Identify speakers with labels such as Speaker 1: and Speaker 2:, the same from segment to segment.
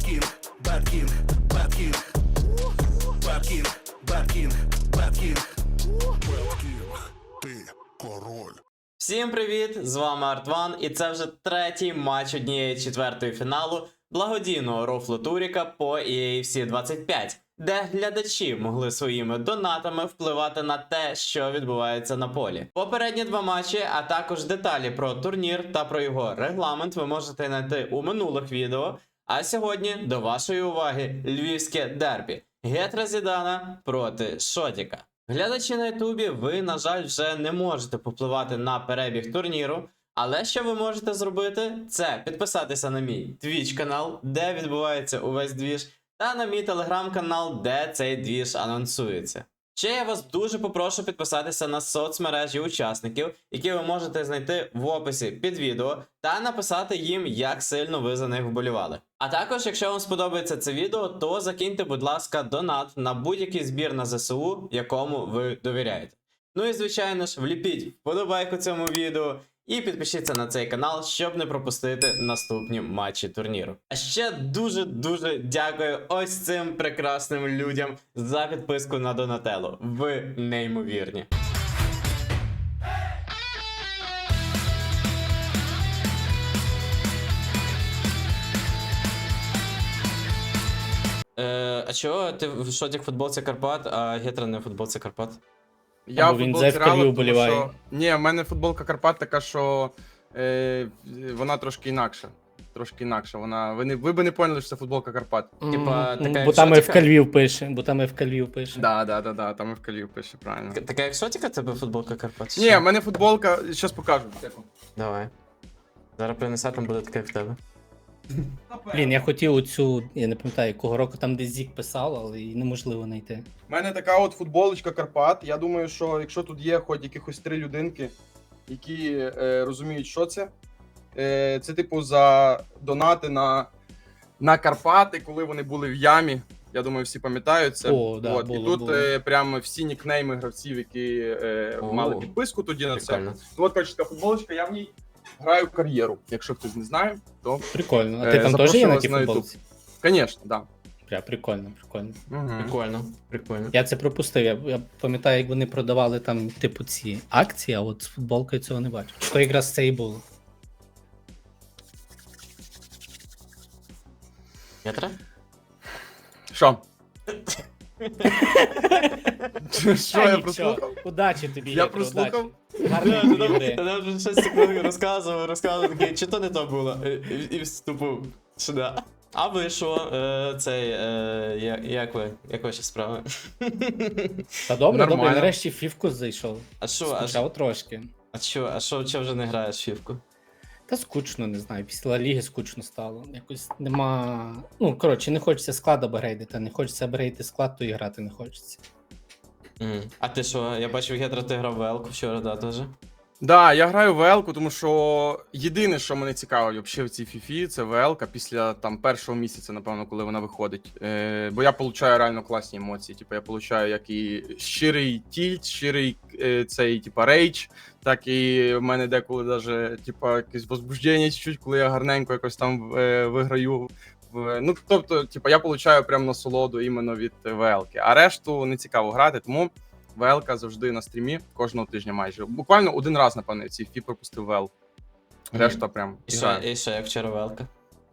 Speaker 1: King, Bad King, Bad King, Bad King, Bad King, Bad King, Bad King, ти король.
Speaker 2: Всім привіт! З вами Артван, і це вже третій матч 1/4 фіналу благодійного рофлу Туріка по EAFC 25, де глядачі могли своїми донатами впливати на те, що відбувається на полі. Попередні два матчі, а також деталі про турнір та про його регламент ви можете знайти у минулих відео. А сьогодні до вашої уваги львівське дербі Гетра Зідана проти Шотіка. Глядачі на ютубі, ви, на жаль, вже не можете попливати на перебіг турніру, але що ви можете зробити, це підписатися на мій Twitch канал, де відбувається увесь двіж, та на мій телеграм-канал, де цей двіж анонсується. Ще я вас дуже попрошу підписатися на соцмережі учасників, які ви можете знайти в описі під відео, та написати їм, як сильно ви за них вболівали. А також, якщо вам сподобається це відео, то закиньте, будь ласка, донат на будь-який збір на ЗСУ, якому ви довіряєте. Ну і звичайно ж, вліпіть вподобайку цьому відео і підпишіться на цей канал, щоб не пропустити наступні матчі турніру. А ще дуже дякую ось цим прекрасним людям за підписку на Донателло. Ви неймовірні. А чого ти в Шотік футболці Карпат, а Гетра не в футболці Карпат?
Speaker 3: Я
Speaker 4: Або
Speaker 3: в
Speaker 4: він
Speaker 3: футболці
Speaker 4: за
Speaker 3: Реала,
Speaker 4: FKV
Speaker 3: тому
Speaker 4: вболіває.
Speaker 3: що... Ні, в мене футболка Карпат така, що вона трошки інакша. Трошки інакша. Вона... Ви б не поняли, що це футболка Карпат.
Speaker 2: Типа, така як
Speaker 4: Бо там
Speaker 2: Шотіка?
Speaker 4: FK Львів пише, бо там FK Львів пише.
Speaker 3: Да, там і в Калів пише, правильно.
Speaker 2: Така як Шотіка тебе футболка Карпат? чи
Speaker 3: Ні,
Speaker 2: що?
Speaker 3: в мене футболка, зараз покажу.
Speaker 2: Давай. Зараз принесе, там буде таке як в тебе.
Speaker 4: Блін, я хотів оцю, я не пам'ятаю, якого року там десь Зік писав, але її неможливо знайти.
Speaker 3: У мене така от футболочка Карпат. Я думаю, що якщо тут є хоч якихось 3 людинки, які розуміють, що це, це типу за донати на Карпати, коли вони були в ямі. Я думаю, всі пам'ятають це.
Speaker 4: О, да,
Speaker 3: от.
Speaker 4: було,
Speaker 3: І тут
Speaker 4: було.
Speaker 3: Прямо всі нікнейми гравців, які мали підписку тоді на це.
Speaker 2: Прикольно.
Speaker 3: Ну, от коротше, така футболочка, я в ній граю кар'єру. Якщо хтось не знає, то
Speaker 4: Прикольно. А ти там теж
Speaker 3: запрошую
Speaker 4: є на
Speaker 3: вас
Speaker 4: тій
Speaker 3: на YouTube.
Speaker 4: футболці?
Speaker 3: звісно, да.
Speaker 4: Прикольно.
Speaker 3: Угу.
Speaker 2: Прикольно.
Speaker 4: Я це пропустив. Я пам'ятаю, як вони продавали там, типу, ці акції, а от з футболкою цього не бачу. То якраз це і було.
Speaker 2: Гетра?
Speaker 3: Що? Що, я
Speaker 4: Нічого.
Speaker 3: прослухав?
Speaker 4: Удачі тобі,
Speaker 3: Я
Speaker 4: Гетро,
Speaker 3: прослухав?
Speaker 4: удачі. Гарної тобі гри.
Speaker 2: Я вже 6 секунд розказував, такий, чи то не то було, і вступив сюди. А ви що, як ваші справи?
Speaker 4: Та добре,
Speaker 3: Нормально.
Speaker 4: нарешті в фівку зайшов.
Speaker 2: А що,
Speaker 4: Скучав трошки.
Speaker 2: чого вже не граєш в фівку?
Speaker 4: Та скучно, не знаю. Після Ла Ліги скучно стало. Якось нема. Ну, коротше, не хочеться склад апгрейдити, не хочеться апгрейдити склад, то і грати не хочеться.
Speaker 2: А ти що, я бачив, Гетра, ти грав в Елку вчора, да, теж?
Speaker 3: Да, я граю в ВЛ-ку, тому що єдине, що мене цікавить взагалі в цій фіфі, це ВЛ-ка після там першого місяця, напевно, коли вона виходить. Бо я получаю реально класні емоції. Типу, я получаю як і щирий тільт, щирий цей, типа, рейдж, так і в мене деколи даже, типа, якесь возбуждення чуть-чуть, коли я гарненько якось там виграю. Ну, тобто, типа, я получаю прям насолоду іменно від ВЛ-ки. А решту не цікаво грати, тому ВЛ-ка завжди на стрімі, кожного тижня майже. Буквально один раз, напевно, ці фі пропустив ВЛ. Решта прям.
Speaker 2: І що, як вчора в Елка?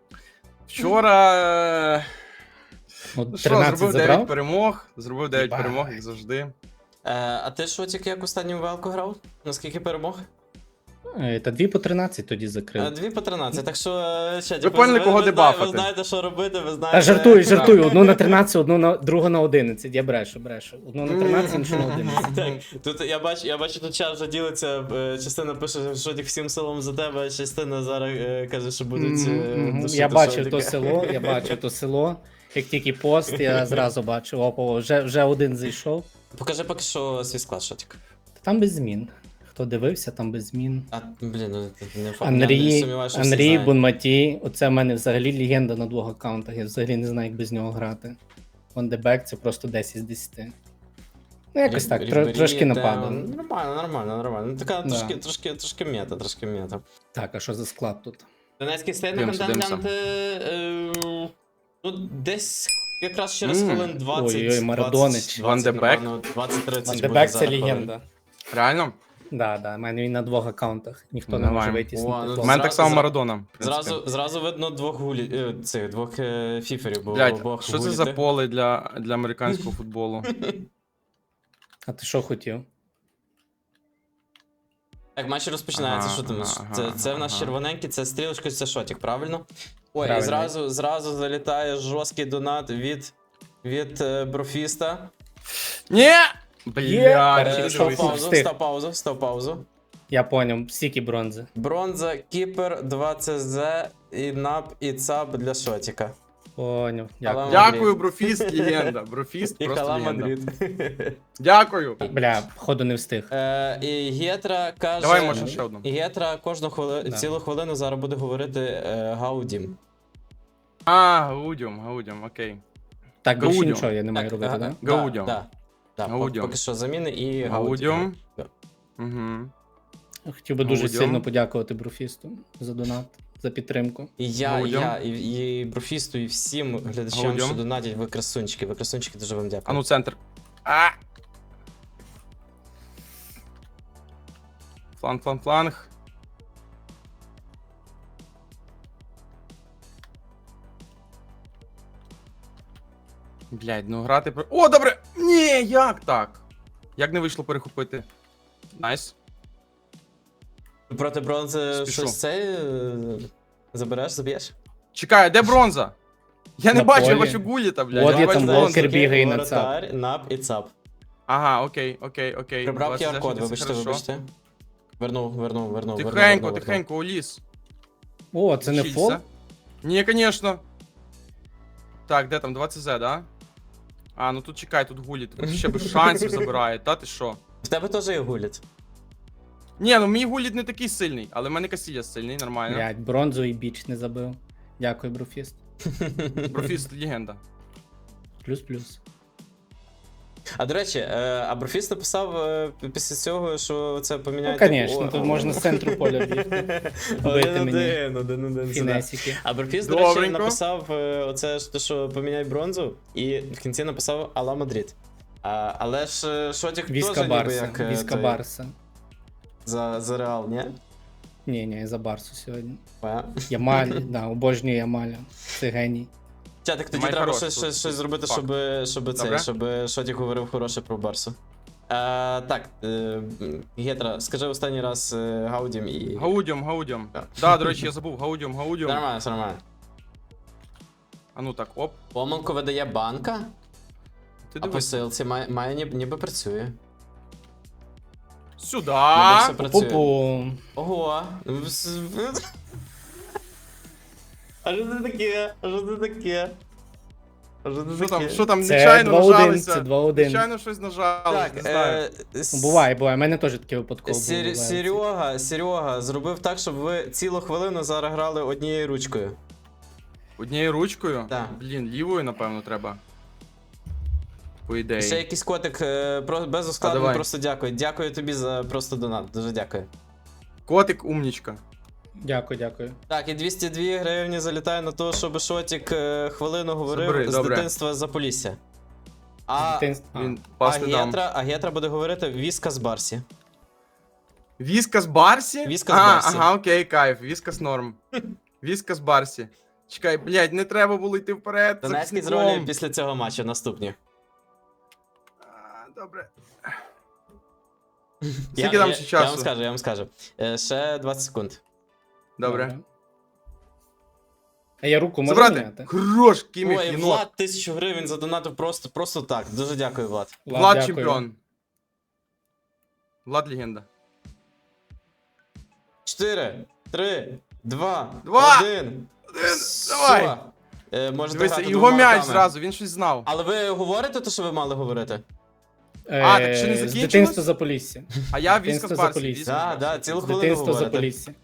Speaker 3: Вчора.
Speaker 4: От
Speaker 3: Ну що,
Speaker 4: 13
Speaker 3: зробив 9
Speaker 4: забрав.
Speaker 3: перемог. Зробив 9
Speaker 4: Єбать.
Speaker 3: перемог, як завжди.
Speaker 2: А ти що, тільки як останню в Елку грав? Наскільки перемог?
Speaker 4: Та 2 по 13 тоді закрив.
Speaker 2: 2 по 13, так що ще,
Speaker 3: Ви поняли, кого дебафати.
Speaker 2: Ви знаєте, що робити, ви знаєте...
Speaker 4: Та жартую. Одну на 13, другу на 11. Я брешу. Одну на 13, іншу на 11.
Speaker 2: Так, тут я бачу, тут час вже ділиться, частина пише, що тільки всім селом за тебе, а частина зараз каже, що будуть душити
Speaker 4: Я бачив
Speaker 2: Шотіка.
Speaker 4: то село. Як тільки пост, я зразу бачив. Опа, вже один зайшов.
Speaker 2: Покажи поки що свій склад, Шотік.
Speaker 4: Та там без змін. Хто дивився, там без змін.
Speaker 2: А, блін, ну не факт, я не сумніваюся, що всі
Speaker 4: Андрій,
Speaker 2: знають.
Speaker 4: Бонматі, оце в мене взагалі легенда на 2 аккаунтах. Я взагалі не знаю, як без нього грати. Вандебек це просто 10 з 10. Ну, якось так,
Speaker 2: Рібері,
Speaker 4: трошки нападав.
Speaker 2: Нормально. Ну, така
Speaker 4: Да.
Speaker 2: трошки мета.
Speaker 4: Так, а що за склад тут?
Speaker 2: Донецький стейт на
Speaker 3: Дивимося,
Speaker 2: контент Ну, десь якраз через хвилин 20.
Speaker 4: Ой-ой, Марадонич.
Speaker 3: Ван де Бек.
Speaker 2: 20-30
Speaker 4: Ван
Speaker 2: буде
Speaker 4: де Бек це
Speaker 2: зараз хвилин.
Speaker 4: легенда.
Speaker 3: Реально?
Speaker 4: Да, в мене він на 2 аккаунтах. Ніхто не
Speaker 3: Давай.
Speaker 4: може
Speaker 2: О,
Speaker 4: витіснити.
Speaker 2: ну,
Speaker 3: У
Speaker 4: того.
Speaker 3: мене так само
Speaker 2: Зразу-
Speaker 3: Марадона. в принципі.
Speaker 2: Зразу видно двох фіферів, бо
Speaker 3: Блядь,
Speaker 2: обох
Speaker 3: що це за
Speaker 2: гуліти.
Speaker 3: поле для американського футболу?
Speaker 4: А ти що хотів?
Speaker 2: Так, матч розпочинається,
Speaker 3: Ага,
Speaker 2: що там?
Speaker 3: ага,
Speaker 2: Це в нас
Speaker 3: ага.
Speaker 2: червоненький, це стрілочка, це шотик, правильно? Ой, і
Speaker 4: Правильно.
Speaker 2: зразу залітає жорсткий донат від Брофіста.
Speaker 3: Ні!
Speaker 4: Перший
Speaker 3: Блядь,
Speaker 4: пішов
Speaker 3: дивись.
Speaker 4: пауз.
Speaker 2: Став паузу.
Speaker 4: Я поняв, стільки бронзи.
Speaker 2: Бронза, кіпер, 2 ЦЗ, і нап, і цап для шотика.
Speaker 4: Поняв. Дякую.
Speaker 3: Дякую, Брофіст, легенда. Брофіст
Speaker 2: І
Speaker 3: просто
Speaker 2: Хала
Speaker 3: легенда.
Speaker 2: Мадрид.
Speaker 3: Дякую.
Speaker 4: Бля, походу не встиг.
Speaker 2: І Гетра каже.
Speaker 3: Давай, може, ще одну.
Speaker 2: І Гетра
Speaker 4: Да.
Speaker 2: цілу хвилину зараз буде говорити Гаудім.
Speaker 3: Гаудіум, окей.
Speaker 4: Так, більше
Speaker 3: Гаудіо.
Speaker 4: нічого я не маю робити, так?
Speaker 3: Гаудіум.
Speaker 2: Так,
Speaker 3: Гаудіум.
Speaker 2: поки що заміни і
Speaker 3: Гаудіум.
Speaker 2: Да.
Speaker 3: Угу.
Speaker 4: Хотів би дуже
Speaker 3: Гаудіо.
Speaker 4: сильно подякувати Бруфісту за донат, за підтримку.
Speaker 2: І я,
Speaker 3: Гаудіум.
Speaker 2: і Брофісту, і всім глядачам,
Speaker 3: Гаудіум.
Speaker 2: що донатять, ви красунчики. Ви красунчики, дуже вам дякую.
Speaker 3: А ну, центр. А! Фланг. Блядь, ну грати про. О, добре! Ні, як так? Як не вийшло перехопити? Найс.
Speaker 2: Проти бронзи
Speaker 3: Спішу.
Speaker 2: щось це заб'єш?
Speaker 3: Чекай, де бронза? Я не
Speaker 4: На
Speaker 3: бачу, я
Speaker 4: полі.
Speaker 3: бачу гуліта, блядь.
Speaker 4: От
Speaker 3: я
Speaker 4: є
Speaker 3: бачу
Speaker 4: там
Speaker 3: бронзу.
Speaker 4: Волкер бігає на
Speaker 2: воротар, нап і цап.
Speaker 3: Ага, окей.
Speaker 2: Прибрав
Speaker 3: 20
Speaker 2: QR-код,
Speaker 3: це
Speaker 2: вибачте,
Speaker 3: хорошо.
Speaker 2: вибачте. Вернув.
Speaker 3: Тихенько, уліз.
Speaker 4: О, це не
Speaker 3: Вчиться.
Speaker 4: фол?
Speaker 3: Ні, конечно. Так, де там 20 з, да? А, ну тут чекай, тут гулі, тут ще без шансів забирає, та ти що?
Speaker 2: В тебе теж є гуліт.
Speaker 3: Ні, ну мій гуліт не такий сильний, але в мене Касілля сильний, нормально.
Speaker 4: Блядь, бронзу і біч не забив. Дякую, Бруфіст.
Speaker 3: Профіст легенда.
Speaker 4: Плюс-плюс.
Speaker 2: А до речі, Аброфіс написав після цього, що це
Speaker 4: Ну,
Speaker 2: поміняє.
Speaker 4: звісно, тут можна з центру поля бігти. Бити мені.
Speaker 2: Один.
Speaker 4: Фінесики.
Speaker 2: Аброфіс, до речі,
Speaker 3: Добренько.
Speaker 2: написав оце, що поміняй бронзу, і в кінці написав Алла Мадрид. Але ж Шотік теж
Speaker 4: Віска
Speaker 2: ніби
Speaker 4: Барса.
Speaker 2: як
Speaker 4: Віска
Speaker 2: той,
Speaker 4: Барса.
Speaker 2: за Реал, ні?
Speaker 4: Ні, я за Барсу сьогодні.
Speaker 2: Е.
Speaker 4: Ямаль, да, обожнюю Ямаля. Це геній.
Speaker 2: Чатик, тоді
Speaker 3: Май
Speaker 2: треба
Speaker 3: хороший,
Speaker 2: щось
Speaker 3: тут
Speaker 2: зробити,
Speaker 3: факт. Добре.
Speaker 2: щоб Шотік говорив хороше про Барсу. Так, Гетра, скажи останній раз Гаудім і.
Speaker 3: Гаудіум.
Speaker 2: Так.
Speaker 3: Да, до речі, я забув, Гаудіум.
Speaker 2: Нормально, все нормально.
Speaker 3: А ну так, оп.
Speaker 2: Помилку видає банка,
Speaker 3: Ти
Speaker 2: а по
Speaker 3: дивись.
Speaker 2: силці має ніби працює.
Speaker 3: Сюда.
Speaker 2: Ніби все працює.
Speaker 4: Пупу.
Speaker 2: Ого. А що це таке?
Speaker 3: Що там,
Speaker 4: Це
Speaker 3: нечайно
Speaker 4: 2-1,
Speaker 3: нажалися?
Speaker 4: це 2-1.
Speaker 3: Нечайно щось нажали,
Speaker 2: Так,
Speaker 3: не знаю.
Speaker 4: Ну, буває, у мене теж таке випадково було.
Speaker 2: Серега зробив так, щоб ви цілу хвилину зараз грали однією ручкою.
Speaker 3: Однією ручкою?
Speaker 2: Так.
Speaker 3: Блін, лівою, напевно, треба. По ідеї.
Speaker 2: Ще якийсь котик без
Speaker 3: А,
Speaker 2: ускладнень,
Speaker 3: давай.
Speaker 2: просто дякую. Дякую тобі за просто донат. Дуже дякую.
Speaker 3: Котик умнічка.
Speaker 4: Дякую.
Speaker 2: Так, і 202 гривні залітає на те, щоб Шотік хвилину говорив
Speaker 3: Забери,
Speaker 2: з
Speaker 3: добре.
Speaker 2: дитинства за Полісся. А
Speaker 3: Він пас не дам.
Speaker 2: Гетра буде говорити Віска з Барсі.
Speaker 3: Віскас Барсі?
Speaker 2: Віскас Барсі.
Speaker 3: Ага, окей, кайф. Віскас норм. Віскас Барсі. Чекай, блядь, не треба було йти вперед.
Speaker 2: Донецький з
Speaker 3: захисником.
Speaker 2: ролі після цього матчу наступні.
Speaker 3: Добре. Скільки там ще часу?
Speaker 2: Я вам скажу. Ще 20 секунд.
Speaker 3: Добре.
Speaker 4: А я руку можу
Speaker 3: Забрати.
Speaker 4: міняти?
Speaker 3: Хорош, Кіміх,
Speaker 2: Ой,
Speaker 3: єнот.
Speaker 2: Влад 1000 гривень задонатив просто так. Дуже дякую, Влад.
Speaker 3: Влад
Speaker 4: дякую.
Speaker 3: чемпіон. Влад легенда.
Speaker 2: 4, 3, 2,
Speaker 3: Два.
Speaker 2: 1.
Speaker 3: Давай.
Speaker 2: Можете
Speaker 3: Дивися,
Speaker 2: грати
Speaker 3: його
Speaker 2: двома
Speaker 3: м'яч
Speaker 2: руками.
Speaker 3: зразу, він щось знав.
Speaker 2: Але ви говорите те, що ви мали говорити?
Speaker 3: А, так ще не
Speaker 4: З
Speaker 3: закінчилось?
Speaker 4: дитинства за Полісся.
Speaker 3: А я
Speaker 4: Дитинство
Speaker 3: Віскас
Speaker 4: за
Speaker 3: Барсі.
Speaker 4: Полісся.
Speaker 3: Віскас Барсі.
Speaker 2: Да, цілу
Speaker 4: З
Speaker 2: хвилину
Speaker 4: дитинства за
Speaker 2: говорите.
Speaker 4: Полісся.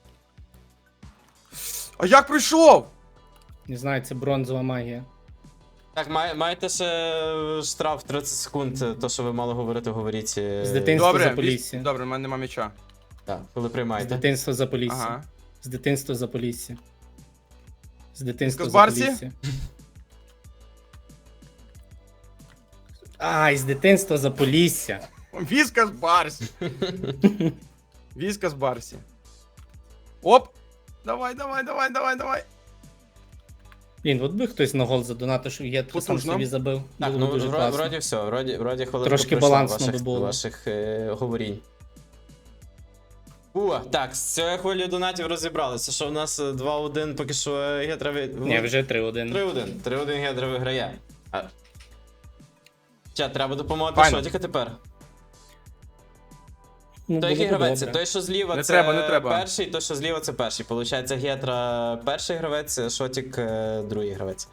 Speaker 3: А як прийшов?
Speaker 4: Не знаю, це бронзова магія.
Speaker 2: Так, маєте ще штраф 30 секунд, то, що ви мали говорити, говоріть.
Speaker 4: З дитинства
Speaker 3: Добре,
Speaker 4: за Полісся.
Speaker 3: Добре, в мене нема м'яча.
Speaker 2: Так, коли
Speaker 4: З
Speaker 2: приймаєте.
Speaker 4: дитинства за Полісся.
Speaker 3: Ага.
Speaker 4: З дитинства за Полісся. З дитинства
Speaker 3: Віскас
Speaker 4: за
Speaker 3: Барсі?
Speaker 4: Полісся. Ай, з дитинства Заполісся.
Speaker 3: Віскас Барсі. Віскас Барсі. Оп! Давай, давай, давай, давай, давай.
Speaker 4: Блін, от би хтось на гол задонатив, що я сам
Speaker 3: Потужно.
Speaker 4: собі забив.
Speaker 2: Так,
Speaker 4: Було
Speaker 2: ну
Speaker 4: дуже класно.
Speaker 2: вроді все, вроді хвилинку
Speaker 4: Трошки
Speaker 2: пройшло
Speaker 4: балансно
Speaker 2: ваших,
Speaker 4: би було.
Speaker 2: ваших говорінь. Так, з цією хвилею донатів розібралися, що в нас 2-1, поки що Гетра
Speaker 4: Ні, вже 3-1.
Speaker 2: 3-1 Гетра виграє. Треба допомогти
Speaker 3: Файно.
Speaker 2: Шотіка тепер.
Speaker 4: Ну,
Speaker 2: Той
Speaker 4: було б
Speaker 2: гравець,
Speaker 4: добре.
Speaker 2: той, що зліва,
Speaker 3: Не
Speaker 2: це
Speaker 3: треба, не треба.
Speaker 2: перший, той, що зліва, це перший. Получається, Гетра перший гравець, Шотік другий гравець.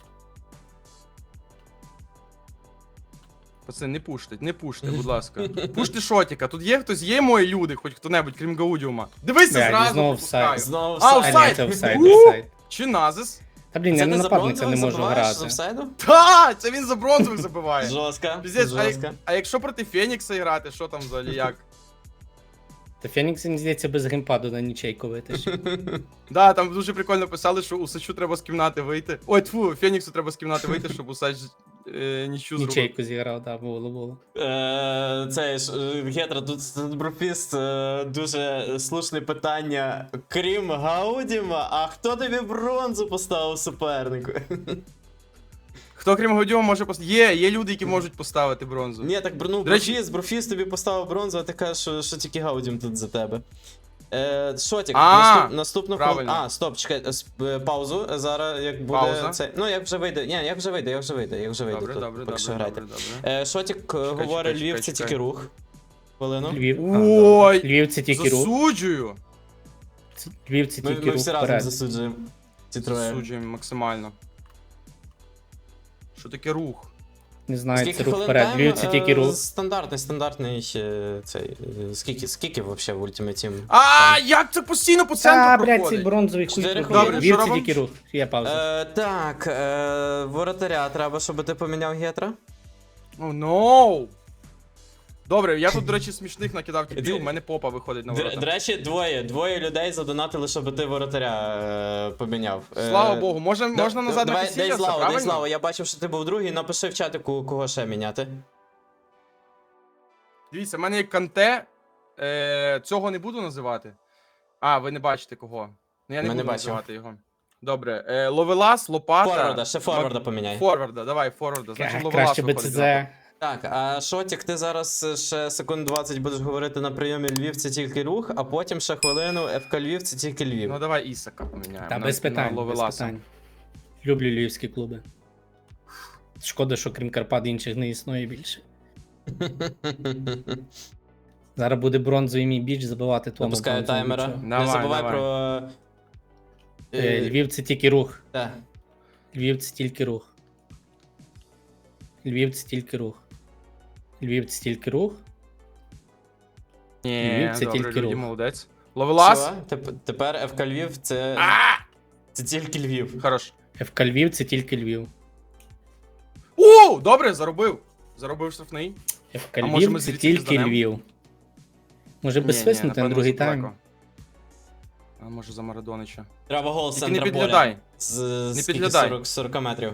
Speaker 3: Пацани, не пуште, будь ласка. Пуште Шотіка. Тут є хтось, є мої люди, хоч хто-небудь, крім Гаудіума. Дивися
Speaker 4: Блядь,
Speaker 3: зразу,
Speaker 4: знову
Speaker 3: пропускаю.
Speaker 4: офсайд.
Speaker 2: Знову
Speaker 3: А,
Speaker 2: офсайд.
Speaker 4: А, ні,
Speaker 3: офсайд.
Speaker 4: це офсайд,
Speaker 3: У!
Speaker 4: офсайд.
Speaker 3: Чи Назис?
Speaker 4: Та блін,
Speaker 2: Це
Speaker 4: я
Speaker 2: ти
Speaker 4: на
Speaker 2: за
Speaker 4: нападника
Speaker 2: бронзових
Speaker 4: не можу
Speaker 2: забиваєш з
Speaker 4: грати.
Speaker 2: офсайду?
Speaker 3: Та, це він за бронзових забиває.
Speaker 2: Жорстко,
Speaker 3: Піздець,
Speaker 2: жорстко.
Speaker 3: а якщо проти Фенікса грати, що там взагалі як?
Speaker 4: Та Фенікс, мені здається, без геймпаду на нічейку витащив.
Speaker 3: Да, там дуже прикольно писали, що Усачу треба з кімнати вийти. Ой, тьфу, Феніксу треба з кімнати вийти, щоб Усач нічу зробив.
Speaker 4: Нічейку зіграв, так, було.
Speaker 2: Цей ж Гетра, тут брофіст, дуже слушне питання. Крім Гаудіма, а хто тобі бронзу поставив супернику?
Speaker 3: Хто крім Гаудіума може поставити? Є люди, які можуть поставити бронзу.
Speaker 2: Ні, так ну,
Speaker 3: До речі-
Speaker 2: брофіст тобі поставив бронзу, а ти кажеш, що тільки Гаудім тут за тебе. Шотік, наступну
Speaker 3: правильно.
Speaker 2: А, стоп, чекай, паузу. Зараз як буде
Speaker 3: Пауза.
Speaker 2: це. Ну, як вже вийде. Ні, як вже вийде.
Speaker 3: Добре,
Speaker 2: Тут,
Speaker 3: добре,
Speaker 2: поки що
Speaker 3: добре,
Speaker 2: грайте.
Speaker 3: добре, добре.
Speaker 2: Шотік говорить,
Speaker 3: чекай,
Speaker 2: Львів це
Speaker 3: чекай.
Speaker 2: тільки рух. Хвилину.
Speaker 4: Львів.
Speaker 3: Ой,
Speaker 4: Львів це тільки рух.
Speaker 3: засуджую.
Speaker 4: Львів це
Speaker 2: Ми
Speaker 4: тільки рух
Speaker 2: всі разом
Speaker 4: вперед.
Speaker 2: засуджуємо. Ці троє.
Speaker 3: Засуджуємо максимально. Що таке рух?
Speaker 4: Не знаю,
Speaker 2: Скільки
Speaker 4: це рух
Speaker 2: хвилин
Speaker 4: вперед.
Speaker 2: тайм?
Speaker 4: Львів це тільки рух.
Speaker 2: Стандартний цей. Скільки взагалі в Ultimate Team?
Speaker 3: А, як це постійно по центру
Speaker 4: А, блядь, цей
Speaker 3: проходить?
Speaker 4: бронзовий хуй.
Speaker 2: 4
Speaker 4: проходить.
Speaker 2: хвилини.
Speaker 4: Львів
Speaker 3: Що
Speaker 4: це
Speaker 3: робимо?
Speaker 4: тільки рух. Є пауза.
Speaker 2: Так, воротаря треба, щоб ти поміняв Гетра.
Speaker 3: О, ноу! Добре, я тут, до речі, смішних накидав тіпів, в мене попа виходить на
Speaker 2: До
Speaker 3: ворота.
Speaker 2: речі, двоє людей задонатили, щоб ти воротаря поміняв.
Speaker 3: Слава Богу, можна назад на
Speaker 2: Дай
Speaker 3: Касіліаса,
Speaker 2: Славу,
Speaker 3: правильно?
Speaker 2: я бачив, що ти був другий, напиши в чатику, кого ще міняти.
Speaker 3: Дивіться, в мене є Канте, цього не буду називати. А, ви не бачите кого. Ну я не
Speaker 2: Ми не
Speaker 3: буду
Speaker 2: бачимо.
Speaker 3: називати його. Добре, Ловелас, Лопата.
Speaker 2: Форварда, ще форварда поміняй.
Speaker 3: Форварда, давай, форварда. Значить, Ловелас
Speaker 4: Краще
Speaker 3: виходить.
Speaker 4: БЦЗ.
Speaker 3: зразу.
Speaker 2: Так, а Шотік, ти зараз ще секунд 20 будеш говорити на прийомі Львів, це тільки рух, а потім ще хвилину ФК Львів, це тільки Львів.
Speaker 3: Ну давай Ісака поміняємо.
Speaker 4: Та
Speaker 3: на-
Speaker 4: без
Speaker 3: на
Speaker 4: питань, без
Speaker 3: Ловеласа.
Speaker 4: питань. Люблю львівські клуби. Шкода, що крім Карпат інших не існує більше. Зараз буде бронзовий мій біч забивати тому.
Speaker 2: Запускаю
Speaker 4: бронзовому
Speaker 2: таймера.
Speaker 4: бічу.
Speaker 2: Не
Speaker 3: Давай,
Speaker 2: забувай
Speaker 3: давай.
Speaker 2: про.
Speaker 4: Львів це тільки рух.
Speaker 2: Так.
Speaker 4: Львів це тільки рух. Львів це тільки рух. Львів це тільки рух.
Speaker 3: Ні,
Speaker 4: Львів це
Speaker 3: добре,
Speaker 4: тільки
Speaker 3: Люді,
Speaker 4: рух.
Speaker 3: молодець. Ловелас.
Speaker 2: Все, тепер ФК Львів це. Це тільки Львів.
Speaker 3: Хорош.
Speaker 4: ФК Львів це тільки Львів.
Speaker 3: О, добре, заробив. Заробив штрафний.
Speaker 4: ФК
Speaker 3: А може ми
Speaker 4: Львів це
Speaker 3: звідси
Speaker 4: тільки
Speaker 3: зданемо?
Speaker 4: Львів. Може
Speaker 3: Ні,
Speaker 4: без
Speaker 3: ні,
Speaker 4: свиснути на
Speaker 3: напевно,
Speaker 4: другий
Speaker 3: задалеко.
Speaker 4: тайм.
Speaker 3: А може за Марадонича.
Speaker 2: Треба гол з
Speaker 3: Тільки не
Speaker 2: центра поля.
Speaker 3: підглядай.
Speaker 2: З
Speaker 3: Не
Speaker 2: скільки?
Speaker 3: підглядай.
Speaker 2: 40 метрів.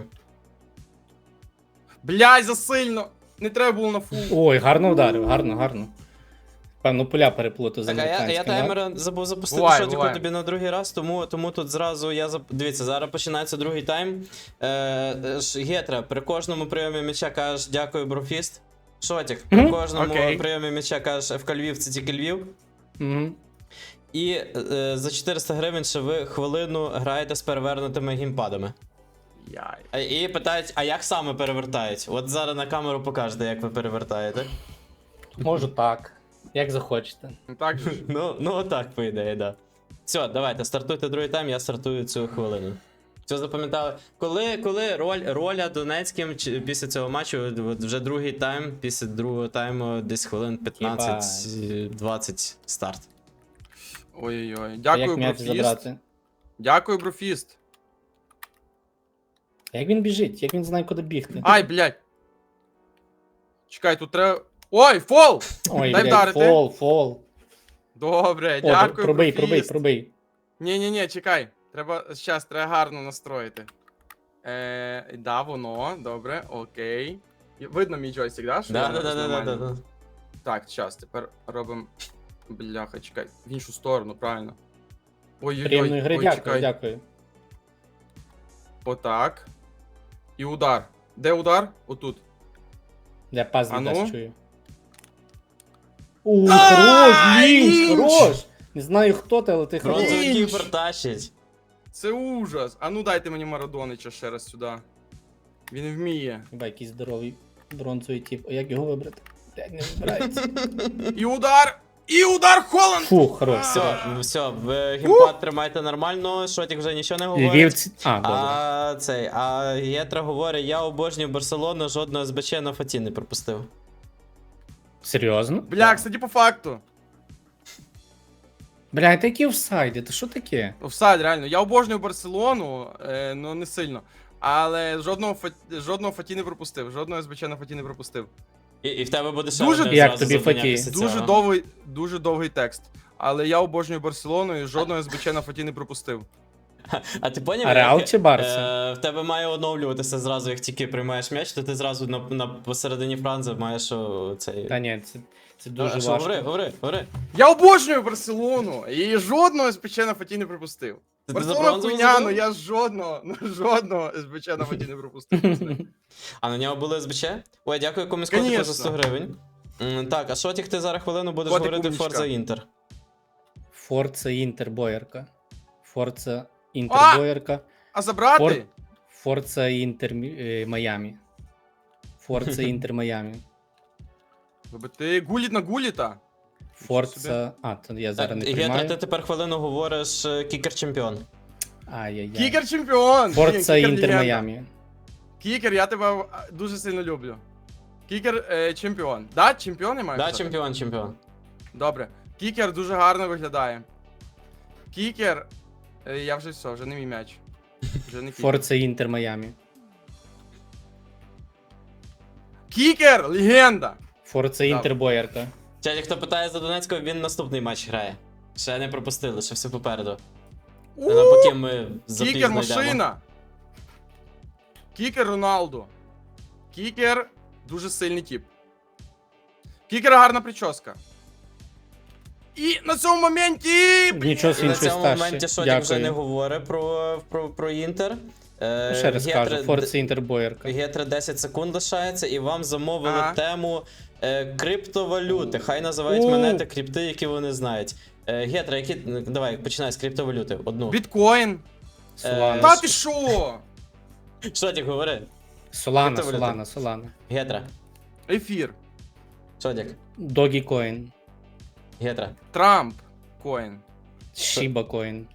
Speaker 3: Блядь, засильно. Не треба було на фул.
Speaker 4: Ой, гарно вдарив, гарно. Певно, поля переплутав з
Speaker 2: Так, а я
Speaker 4: американським. да?
Speaker 2: таймер забув запустити
Speaker 3: Буває,
Speaker 2: шотіку
Speaker 3: буває.
Speaker 2: тобі на другий раз, тому тут зразу Дивіться, зараз починається другий тайм. Гетра, при кожному прийомі м'яча кажеш дякую, брофіст. Шотік, при
Speaker 4: Мгм.
Speaker 2: кожному
Speaker 3: Окей.
Speaker 2: прийомі м'яча кажеш ФК Львів, це тільки Львів.
Speaker 4: Мгм.
Speaker 2: І за 400 гривень ще ви хвилину граєте з перевернутими геймпадами.
Speaker 3: Яй.
Speaker 2: І питають, а як саме перевертають? От зараз на камеру покажете, як ви перевертаєте.
Speaker 4: Можу так. Як захочете.
Speaker 3: Ну так же ж.
Speaker 2: Ну отак, по ідеї, да. Все, давайте, стартуйте другий тайм, я стартую цю хвилину. Все запам'ятали. Коли роля Донецьким після цього матчу, от вже другий тайм, після другого тайму десь хвилин 15-20 старт.
Speaker 3: Ой-ой-ой.
Speaker 4: А
Speaker 3: Дякую,
Speaker 4: як м'яч
Speaker 3: брофіст.
Speaker 4: забрати?
Speaker 3: Дякую, брофіст.
Speaker 4: А як він біжить? Як він знає, куди бігти?
Speaker 3: Ай, блядь. Чекай, тут треба. Ой, фол!
Speaker 4: Ой,
Speaker 3: дай
Speaker 4: блядь,
Speaker 3: вдарити.
Speaker 4: фол.
Speaker 3: Добре,
Speaker 4: О,
Speaker 3: дякую,
Speaker 4: пробий,
Speaker 3: брофіст.
Speaker 4: пробий.
Speaker 3: Ні, чекай. Треба гарно настроїти. Да, воно, добре, окей. Видно мій джойстик, да? Що я якось нормально?
Speaker 2: Да.
Speaker 3: Так, час, тепер робимо. Бляха, чекай. В іншу сторону, правильно. Ой-ой-ой,
Speaker 4: Приємної гри,
Speaker 3: ой,
Speaker 4: дякую,
Speaker 3: чекай.
Speaker 4: дякую.
Speaker 3: Отак. І удар. Де удар? Отут.
Speaker 4: Я пас
Speaker 3: А ну?
Speaker 4: віддасть чую. Хорош, лінч,
Speaker 3: лінч!
Speaker 4: хорош! Не знаю хто ти, але ти хорош.
Speaker 2: Бронзовий
Speaker 3: Лінч!
Speaker 2: кіпер тащить.
Speaker 3: Це ужас. А ну дайте мені Марадонича ще раз сюди. Він вміє.
Speaker 4: Хіба якийсь здоровий бронзовий тип. А як його вибрати? Блядь, не вибирається.
Speaker 3: І удар! І удар Холланд!
Speaker 4: Фу, хорош.
Speaker 2: Все, ви геймпад тримайте нормально, Шотік вже нічого не говорить.
Speaker 4: Львівці. А, добре.
Speaker 2: А Єтра говорить, я обожнюю Барселону, жодного СБЧ на Фаті не пропустив.
Speaker 4: Серйозно?
Speaker 3: Бля, кстати, по факту.
Speaker 4: Бля, такі офсайди, то що таке?
Speaker 3: Офсайд, реально. Я обожнюю Барселону, ну не сильно. Але жодного Фаті не пропустив. Жодного СБЧ на Фаті не пропустив.
Speaker 2: І в тебе буде ще
Speaker 3: Дуже-
Speaker 2: одне
Speaker 4: Як
Speaker 2: зразу
Speaker 4: тобі
Speaker 2: завдання
Speaker 4: Фаті?
Speaker 2: після
Speaker 3: Дуже довгий текст. Але я обожнюю Барселону і жодного СБЧ на Фаті не пропустив.
Speaker 2: А ти поняв,
Speaker 4: А Реал чи Барса?
Speaker 2: в тебе має оновлюватися зразу, як тільки приймаєш м'яч, то ти зразу на посередині франзи маєш цей...
Speaker 4: Та ні, це дуже
Speaker 2: Що,
Speaker 4: важко.
Speaker 2: говори.
Speaker 3: Я обожнюю Барселону! І жодного СБЧ на Фаті не пропустив.
Speaker 2: Ти за
Speaker 3: Барселона
Speaker 2: бронзову
Speaker 3: хуйня,
Speaker 2: забив?
Speaker 3: ну я жодного СБЧ на Фаті не пропустив.
Speaker 2: А на нього були СБЧ? Ой, дякую комусь котику за
Speaker 3: Конечно.
Speaker 2: 100 гривень. Так, а Шотік, ти зараз хвилину будеш
Speaker 3: Котик
Speaker 2: говорити
Speaker 3: умничка.
Speaker 2: Forza Інтер.
Speaker 4: Форца Інтер Боярка. Форца
Speaker 3: А!
Speaker 4: Інтер Боярка.
Speaker 3: А забрати?
Speaker 4: Форца Інтер Майамі. Форца Інтер Майамі.
Speaker 3: Ти гуліт на гуліта?
Speaker 4: Форца. А, то я зараз не
Speaker 2: Єтра, ти
Speaker 4: приймаю.
Speaker 2: тепер хвилину говориш кікер-чемпіон.
Speaker 4: Ай-яй-яй.
Speaker 3: Кікер чемпіон!
Speaker 4: Форца
Speaker 3: Кікер
Speaker 4: Інтер
Speaker 3: легенда.
Speaker 4: Майамі.
Speaker 3: Кікер, я тебе дуже сильно люблю. Кікер чемпіон. Да, чемпіон я маю
Speaker 2: Да,
Speaker 3: казати?
Speaker 2: чемпіон.
Speaker 3: Добре. Кікер дуже гарно виглядає. Кікер. Я вже все, вже не мій м'яч. Вже не кікер.
Speaker 4: Форца Інтер Майамі.
Speaker 3: Кікер! Легенда!
Speaker 4: Форца Інтер Боярка.
Speaker 2: Чаті, хто питає за Донецького, він наступний матч грає. Ще не пропустили, ще все попереду. Поки ми запізно
Speaker 3: Кікер
Speaker 2: йдемо.
Speaker 3: машина! Кікер Роналду. Кікер дуже сильний тип. Кікер гарна прическа. І на цьому моменті.
Speaker 4: Нічого
Speaker 2: І
Speaker 4: собі
Speaker 2: на
Speaker 4: щось
Speaker 2: цьому
Speaker 4: старше.
Speaker 2: моменті Шотік вже не
Speaker 4: Дякую.
Speaker 2: говорить про Інтер.
Speaker 4: Ще раз кажу, Форца Інтер Боярка.
Speaker 2: Гетре 10 секунд лишається, і вам замовили
Speaker 3: Ага.
Speaker 2: тему криптовалюти. Хай називають монети крипти, які вони знають. Гетре, які. Давай, починай з криптовалюти. Одну.
Speaker 3: Біткоін.
Speaker 4: Солана.
Speaker 3: Та ти що?
Speaker 2: Шотік, говори.
Speaker 4: Солана,
Speaker 2: криптовалюта.
Speaker 4: Солана.
Speaker 2: Гетре.
Speaker 3: Ефір.
Speaker 2: Шотік.
Speaker 4: Догі Коін.
Speaker 2: Гетре.
Speaker 3: Трамп. Коін.
Speaker 4: Шіба Коін.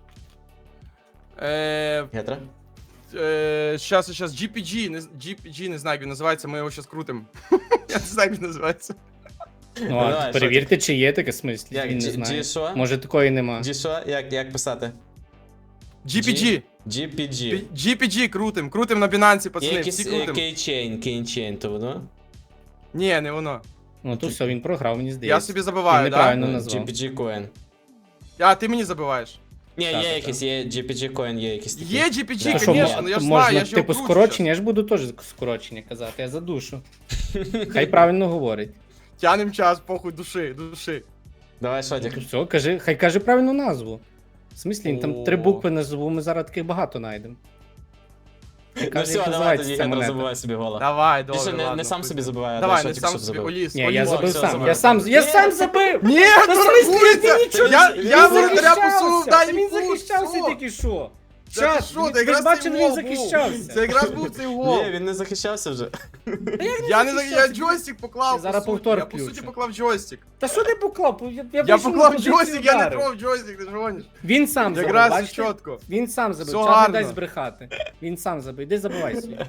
Speaker 2: Гетре.
Speaker 3: Щас, GPG, GPG, не знаю, як він називається, ми його щас крутим. Я не знаю, як він називається.
Speaker 4: Ну,
Speaker 2: Давай,
Speaker 4: а
Speaker 2: що
Speaker 4: перевірте, чи є таке смислі.
Speaker 2: Як,
Speaker 4: Він не
Speaker 2: G
Speaker 4: знає.
Speaker 2: що?
Speaker 4: Може такої нема.
Speaker 2: G що? Як писати?
Speaker 3: GPG.
Speaker 2: GPG.
Speaker 3: GPG крутим на Binance,
Speaker 2: Є
Speaker 3: пацани,
Speaker 2: якийсь
Speaker 3: всі крутим.
Speaker 2: Keychain, то воно?
Speaker 3: Ні, не воно.
Speaker 4: Ну то все, він програв, мені
Speaker 3: Я
Speaker 4: здається.
Speaker 3: собі
Speaker 4: Він
Speaker 3: забиваю,
Speaker 4: неправильно
Speaker 3: да?
Speaker 4: назвав.
Speaker 2: GPG Coin.
Speaker 3: А, ти мені забиваєш.
Speaker 2: Ні,
Speaker 4: Так,
Speaker 2: є
Speaker 4: так,
Speaker 2: якийсь, є GPG Coin, є якісь такі.
Speaker 3: Є
Speaker 2: Да.
Speaker 3: GPG,
Speaker 4: То що,
Speaker 3: звісно, ну я ж
Speaker 4: можна,
Speaker 3: знаю, я ж його
Speaker 4: типу,
Speaker 3: кручу
Speaker 4: скорочення, я ж буду теж скорочення казати, я задушу. Хай правильно говорить.
Speaker 3: щас. Тянем час, похуй, души.
Speaker 2: Давай,
Speaker 4: Ну,
Speaker 2: Шотік.
Speaker 4: то все, хай каже правильну назву. В смислі, він там
Speaker 3: О.
Speaker 4: 3 букви назву, ми зараз таких багато знайдемо. Хай
Speaker 2: Ну
Speaker 4: каже,
Speaker 2: все,
Speaker 4: як
Speaker 2: давай
Speaker 4: називається
Speaker 2: тоді
Speaker 4: ця
Speaker 2: Гетре
Speaker 4: монета.
Speaker 2: забивай собі гола.
Speaker 3: Давай,
Speaker 2: Більше
Speaker 3: добре, ладно.
Speaker 2: не сам
Speaker 3: пусть.
Speaker 2: собі забиває, а
Speaker 3: Давай,
Speaker 2: дай
Speaker 3: не
Speaker 2: Шотік,
Speaker 3: сам
Speaker 2: щоб
Speaker 3: собі,
Speaker 2: забив.
Speaker 3: Оліс.
Speaker 4: Ні, я
Speaker 3: Оліс.
Speaker 4: забив
Speaker 2: все,
Speaker 4: сам,
Speaker 2: забив.
Speaker 4: я сам забив!
Speaker 3: Ні,
Speaker 4: Та
Speaker 3: ну
Speaker 4: в смислі,
Speaker 3: рахується!
Speaker 4: ти нічого
Speaker 3: Я
Speaker 4: Він
Speaker 3: воротаря посунув,
Speaker 4: захищався!
Speaker 3: дай
Speaker 4: Та він
Speaker 3: йому,
Speaker 4: захищався
Speaker 3: все.
Speaker 4: тільки що!
Speaker 3: Це
Speaker 4: Чат,
Speaker 3: ти що,
Speaker 4: ви
Speaker 3: це якраз
Speaker 4: бачили,
Speaker 3: цей
Speaker 4: він
Speaker 3: гол був.
Speaker 4: захищався.
Speaker 3: Це якраз був цей гол.
Speaker 2: Ні, він не захищався вже.
Speaker 3: Я джойстик поклав,
Speaker 4: Я зараз
Speaker 3: по суті.
Speaker 4: повтор
Speaker 3: Я по суті
Speaker 4: включу.
Speaker 3: поклав джойстик.
Speaker 4: Та що ти поклав?
Speaker 3: Я
Speaker 4: вийшов на
Speaker 3: поклав
Speaker 4: позицію
Speaker 3: джойстик, я не
Speaker 4: ударив.
Speaker 3: трогав джойстик, ти ж гониш.
Speaker 4: Він сам забив,
Speaker 3: Якраз
Speaker 4: бачите?
Speaker 3: чітко.
Speaker 4: Він сам забив,
Speaker 3: Все
Speaker 4: чат не
Speaker 3: гарно.
Speaker 4: дасть збрехати. Він сам забив, іди забивай собі.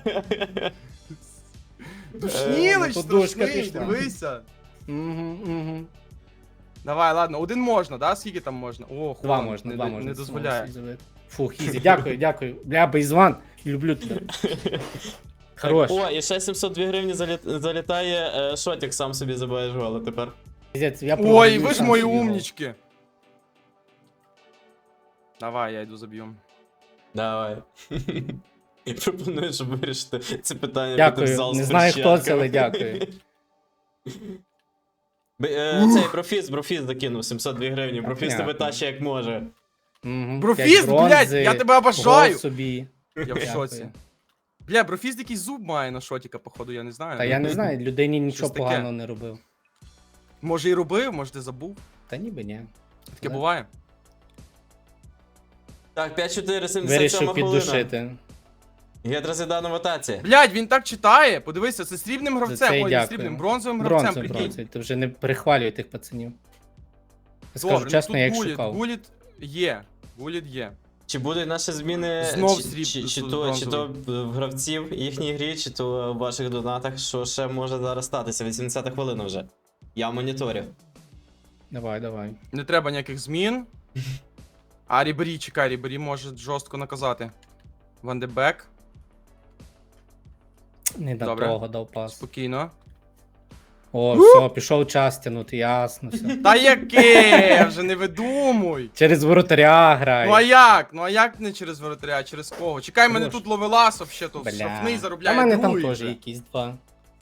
Speaker 3: Душнілич
Speaker 4: подушка
Speaker 3: страшний,
Speaker 4: пішла.
Speaker 3: дивися.
Speaker 4: Угу.
Speaker 3: Давай, ладно, один можна, да? Скільки там можна? О,
Speaker 4: Два
Speaker 3: Хуан,
Speaker 4: можна,
Speaker 3: не,
Speaker 4: два
Speaker 3: не
Speaker 4: можна.
Speaker 3: дозволяє.
Speaker 4: Фух, ізі, дякую. Бля, Бейзван, люблю тебе. Хорош.
Speaker 2: О, і ще 702 гривні залітає, Шотік сам собі забиваєш гола тепер.
Speaker 4: Пиздець, я
Speaker 3: Ой,
Speaker 4: програю
Speaker 3: ви ж
Speaker 4: сам
Speaker 3: мої
Speaker 4: собі гол.
Speaker 3: умнички. Давай, я йду заб'ю.
Speaker 2: Давай. Пропоную, щоб вирішити це питання.
Speaker 4: Дякую.
Speaker 2: піти в зал з
Speaker 4: Не знаю, хто це,
Speaker 2: перчатками.
Speaker 4: але дякую.
Speaker 2: Цей Брофіст закинув 702 гривні. Брофіст тебе
Speaker 4: Понятно.
Speaker 2: тащить як може.
Speaker 4: Мгм,
Speaker 3: Брофіст,
Speaker 4: п'ять бронзи,
Speaker 3: блядь, я тебе обожаю!
Speaker 4: гол собі.
Speaker 3: Я в
Speaker 4: Дякую.
Speaker 3: шоці. Бля, Брофіст якийсь зуб має на шотіка, походу, я не знаю.
Speaker 4: Та я не знаю, людині нічого
Speaker 3: Щось таке.
Speaker 4: поганого не робив.
Speaker 3: Може і робив, може ти забув.
Speaker 4: Та ніби ні.
Speaker 3: Таке
Speaker 4: Да.
Speaker 3: буває.
Speaker 2: Так, 5-4-77
Speaker 4: Вирішив
Speaker 2: хвилина.
Speaker 4: піддушити.
Speaker 2: Гетра Зідана в атаці.
Speaker 3: Блядь, він так читає. Подивися, це срібним
Speaker 4: це
Speaker 3: гравцем.
Speaker 4: й
Speaker 3: Ой, не
Speaker 4: дякую.
Speaker 3: срібним, бронзовим гравцем,
Speaker 4: Бронзу,
Speaker 3: прикинь.
Speaker 4: бронзу. Ти вже не перехвалюй тих пацанів. Я скажу
Speaker 3: Добре,
Speaker 4: чесно,
Speaker 3: ну,
Speaker 4: я
Speaker 3: тут
Speaker 4: їх
Speaker 3: Гуліт,
Speaker 4: шукав.
Speaker 3: Гуліт є. Гуліт є.
Speaker 2: Чи будуть наші зміни
Speaker 3: Знов
Speaker 2: чи,
Speaker 3: сріб-
Speaker 2: чи то
Speaker 3: бронзовий.
Speaker 2: в гравців їхній грі, чи то в ваших донатах, що ще може зараз статися? 80 хвилина вже. Я моніторю.
Speaker 4: Давай, давай.
Speaker 3: Не треба ніяких змін. А Рібері, чекай, Рібері може жорстко наказати. Ван де Бек,
Speaker 4: Не на
Speaker 3: Добре.
Speaker 4: того дав пас.
Speaker 3: спокійно.
Speaker 4: О, все, пішов час тянути, ясно все.
Speaker 3: Та яке? Вже не видумуй.
Speaker 4: Через воротаря грай.
Speaker 3: Ну а як? Ну а як не через воротаря, а через кого? Чекай, мене
Speaker 4: Хорош.
Speaker 3: тут ловелас вообще, то
Speaker 4: Бля.
Speaker 3: штрафний
Speaker 4: А
Speaker 3: заробляє.
Speaker 4: в мене там
Speaker 3: другий
Speaker 4: теж
Speaker 3: вже.
Speaker 4: якісь два.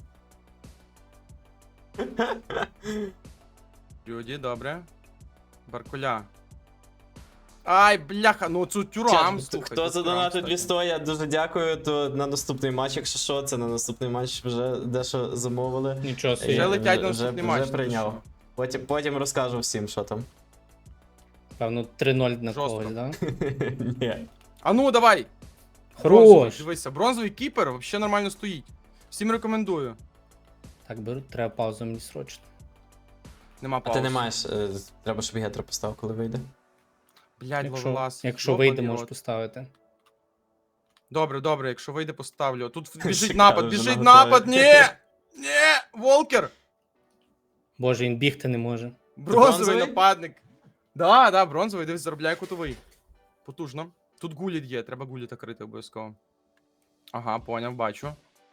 Speaker 3: Люди, добре. Баркуля. Ай, бляха, ну цю тюрам,
Speaker 2: Чат,
Speaker 3: слухай.
Speaker 2: хто
Speaker 3: тут
Speaker 2: задонатив
Speaker 3: тюрам,
Speaker 2: 200, я дуже дякую. То на наступний матч, якщо що, це на наступний матч вже дещо замовили.
Speaker 4: Нічого
Speaker 3: Вже
Speaker 4: собі.
Speaker 3: летять на
Speaker 2: вже,
Speaker 3: наступний
Speaker 2: вже
Speaker 3: матч.
Speaker 2: прийняв. Потім розкажу всім, що там.
Speaker 4: Певно, 3-0 на
Speaker 3: Жорстко.
Speaker 4: когось, да?
Speaker 2: Ні.
Speaker 3: А ну, давай. Бронзовий,
Speaker 4: Хорош!
Speaker 3: дивися, бронзовий кіпер взагалі нормально стоїть. Всім рекомендую.
Speaker 4: Так, беру, треба паузу мені срочно.
Speaker 3: Нема
Speaker 2: А
Speaker 3: пауз.
Speaker 2: ти не маєш. Треба, щоб Гетра поставив, коли вийде.
Speaker 3: Блядь,
Speaker 4: Якщо,
Speaker 3: ловелас.
Speaker 4: якщо
Speaker 3: Йобаний
Speaker 4: вийде, можеш
Speaker 3: рот.
Speaker 4: поставити.
Speaker 3: Добре, добре, якщо вийде, поставлю. Тут біжить
Speaker 2: Шикарно,
Speaker 3: напад,
Speaker 2: вже
Speaker 3: біжить
Speaker 2: наготові.
Speaker 3: напад, ні! Ні! Волкер!
Speaker 4: Боже, він бігти не може.
Speaker 3: Бронзовий
Speaker 2: бронзовий?
Speaker 3: нападник. Да, бронзовий, дивись, заробляє кутовий. Потужно. Тут гуліт є, треба гуліта крити обов'язково. Ага, поняв, бачу.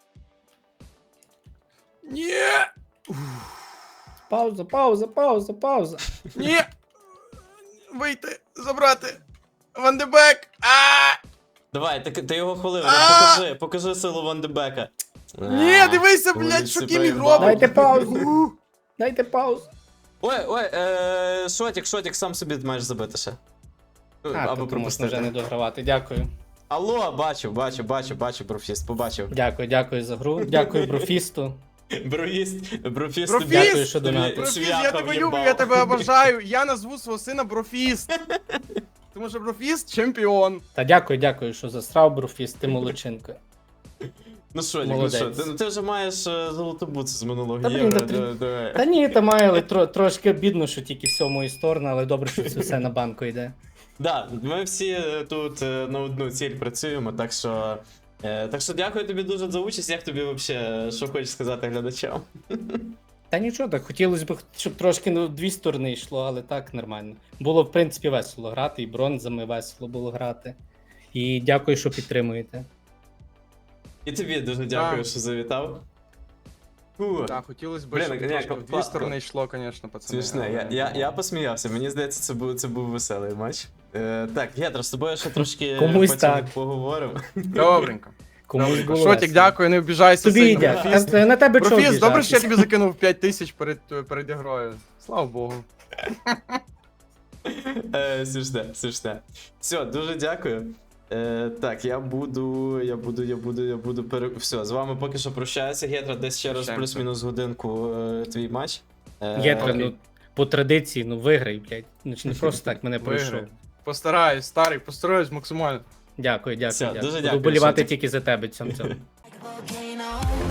Speaker 3: Ні!
Speaker 4: Пауза, пауза, пауза, пауза.
Speaker 3: Ні! Вийти, забрати! Ван де Бек! А!
Speaker 2: Давай, ти його хвилину,
Speaker 3: А!
Speaker 2: покажи силу Ван де Бека.
Speaker 3: Ні, дивися, блядь,
Speaker 2: Гуліт
Speaker 3: що
Speaker 2: це
Speaker 3: Кімі
Speaker 2: проїбав.
Speaker 3: робить!
Speaker 4: Дайте паузу. Дайте паузу.
Speaker 2: Ой, шотік, сам собі маєш забити ще.
Speaker 4: А,
Speaker 2: Або
Speaker 4: тобто можна
Speaker 2: пропустити.
Speaker 4: вже не догравати. Дякую.
Speaker 2: Алло, бачу, Брофіст, побачив.
Speaker 4: Дякую за гру. Дякую Брофісту.
Speaker 2: Брофіст,
Speaker 3: Брофіст!
Speaker 4: Дякую, що донатив.
Speaker 3: Брофіст,
Speaker 2: Свяха
Speaker 3: я тебе люблю,
Speaker 2: в'їбав.
Speaker 3: я тебе обожаю. Я назву свого сина Брофіст. Тому що Брофіст чемпіон.
Speaker 4: Та дякую, що засрав Брофіст, ти молодчинка.
Speaker 2: Ну що,
Speaker 4: Молодець.
Speaker 2: ти вже маєш золоту буцу з минулого
Speaker 4: Та, блін,
Speaker 2: євро.
Speaker 4: та три-
Speaker 2: давай.
Speaker 4: Та ні, та має, але трошки бідно, що тільки все в мою сторону, але добре, що це все на банку йде.
Speaker 2: Да, ми всі тут на одну ціль працюємо, так що дякую тобі дуже за участь. Як тобі взагалі, що хочеш сказати глядачам?
Speaker 4: Та нічого, так хотілося б, щоб трошки в дві сторони йшло, але так нормально. Було, в принципі, весело грати, і бронзами весело було грати. І дякую, що підтримуєте.
Speaker 2: І тобі дуже дякую,
Speaker 3: Так.
Speaker 2: що завітав. Фу.
Speaker 3: Так, хотілося б,
Speaker 2: Блін,
Speaker 3: щоб
Speaker 2: ні,
Speaker 3: трошки в дві
Speaker 2: класно.
Speaker 3: сторони йшло, звісно, пацани.
Speaker 2: Смішне, я посміявся. Мені здається, це був веселий матч. Так, Гетра, з тобою ще трошки
Speaker 4: Комусь
Speaker 2: потім
Speaker 4: так.
Speaker 2: поговоримо.
Speaker 3: Добренько.
Speaker 4: Комусь
Speaker 3: Добренько.
Speaker 4: було
Speaker 3: Шотік,
Speaker 4: весело.
Speaker 3: дякую, не обіжайся
Speaker 4: Тобі
Speaker 3: сильно.
Speaker 4: йде.
Speaker 3: Брофіст.
Speaker 4: На тебе чого
Speaker 3: Брофіст, добре, що я
Speaker 4: обіжатись?
Speaker 3: тобі закинув 5 тисяч перед ігрою. Слава Богу.
Speaker 2: Смішне. Все, дуже дякую. Так, я буду Все, з вами поки що прощаюся. Гетра, десь ще раз
Speaker 3: Прощаємося.
Speaker 2: плюс-мінус годинку твій матч.
Speaker 4: Гетра,
Speaker 2: окей.
Speaker 4: ну, по традиції, ну виграй, блядь. Ну, чи не просто так мене пройшов.
Speaker 3: Виграю. Постараюсь, старий, постараюсь максимально.
Speaker 4: Дякую.
Speaker 2: Все, дуже
Speaker 4: Буду
Speaker 2: дякую,
Speaker 4: болівати
Speaker 2: Шотік.
Speaker 4: тільки за тебе цьому.
Speaker 1: Volcano.